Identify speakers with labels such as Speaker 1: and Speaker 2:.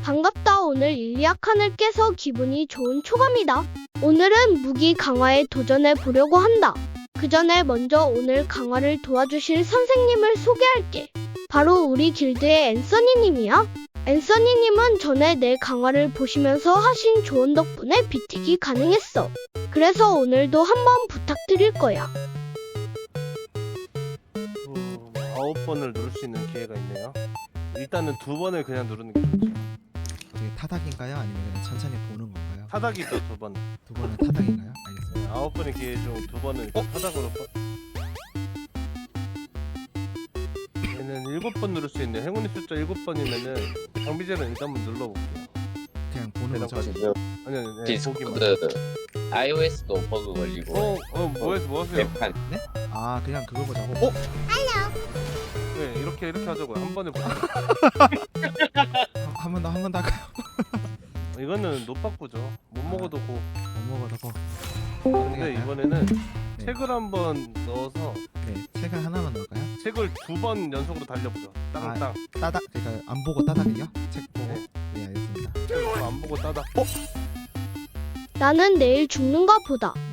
Speaker 1: 반갑다. 오늘 일리아칸을 깨서 기분이 좋은 초감이다. 오늘은 무기 강화에 도전해 보려고 한다. 그 전에 먼저 오늘 강화를 도와주실 선생님을 소개할게. 바로 우리 길드의 앤서니님이야. 앤서니님은 전에 내 강화를 보시면서 하신 조언 덕분에 비틱이 가능했어. 그래서 오늘도 한번 부탁드릴 거야.
Speaker 2: 9번을 누를 수 있는 기회가 있네요. 일단은 2번을 그냥 누르는 게 좋죠.
Speaker 3: 어떻게 타닥인가요? 아니면 그냥 천천히 보는 건가요?
Speaker 2: 타닥이죠, 2번.
Speaker 3: 두 번은 타닥인가요? 알겠습니다.
Speaker 2: 9번의 기회 중 2번을 타닥으로 얘는 7번 누를 수 있네. 행운의 숫자 7번이면은 장비제를 일단 한번 눌러볼게요.
Speaker 3: 그냥 보는 거죠.
Speaker 2: 아니, 아니, 보기만.
Speaker 4: 디스코드 iOS도 버그 걸리고
Speaker 2: 뭐 하세요?
Speaker 4: 웹판
Speaker 3: 아 그냥 그거 보자고.
Speaker 2: 네, 이렇게 하자고요. 한 번에 보자.
Speaker 3: 한 번 더 할까요?
Speaker 2: 이거는 노빠꾸죠. 못 먹어도 고.
Speaker 3: 못 먹어도 고.
Speaker 2: 근데 이번에는
Speaker 3: 네.
Speaker 2: 책을 한번 넣어서
Speaker 3: 네, 책을 하나만 넣을까요?
Speaker 2: 책을 2번 연속으로 달려보죠. 땅땅.
Speaker 3: 따닥 그러니까 안 보고 따닥이요? 책 보고.
Speaker 2: 네.
Speaker 3: 네 알겠습니다.
Speaker 2: 책을 안 보고 따닥.
Speaker 1: 나는 내일 죽는가 보다.